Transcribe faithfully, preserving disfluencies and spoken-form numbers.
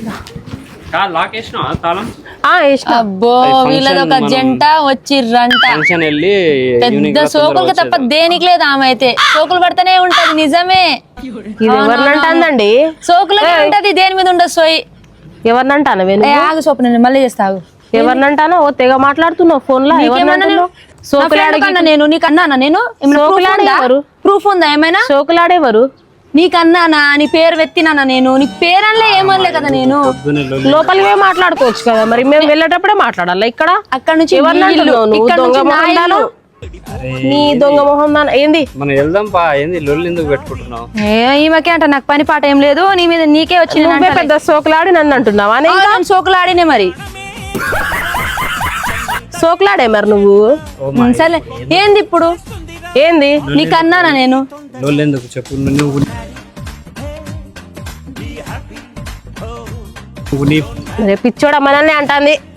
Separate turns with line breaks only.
అబ్బో వీళ్ళది ఒక జంట వచ్చిర్రంట పెద్ద సోకులకి తప్ప దేనికి లేదు ఆమె అయితే సోకులు పడితేనే ఉంటది నిజమే
ఎవరినంటాందండి
సోకులకే ఉంటది దేని మీద ఉండదు సోయి
ఎవరినంటాను
ఆగు సోపు నేను మళ్ళీ చేస్తావు
ఎవరినంటానో ఓ తెగ మాట్లాడుతున్నావు ఫోన్ లో
సోకులాడకన్నా నేను నీకన్నా నేను ప్రూఫ్ ఉందా ఏమైనా
సోకులాడేవారు
నీకన్నానా నీ పేరు వెత్తినానా నేను నీ పేరనలే ఏమనలే కదా నేను
లోపలివే మాట్లాడుకోవచ్చు కదా మరి మేము వెళ్ళేటప్పుడే మాట్లాడాలి ఇక్కడ
అక్కడ నుంచి
నీ దొంగ మొహం ఏంది
మనం వెళ్దాం పా ఏంది లొల్లి ఎందుకు పెట్టుకుంటున్నావు
ఈమెకే అంట నాకు పని పాట ఏం లేదు నీ మీద నీకే వచ్చింది
పెద్ద సోకులాడి నన్ను అంటున్నావా
సోకులాడినే మరి
సోకులాడే మరి నువ్వు
సరే ఏంది ఇప్పుడు
ఏంది
నీకన్నానా నేను
లొల్లి ఎందుకు చెప్పు నువ్వు
పిచ్చోడ మనల్ని అంటాంది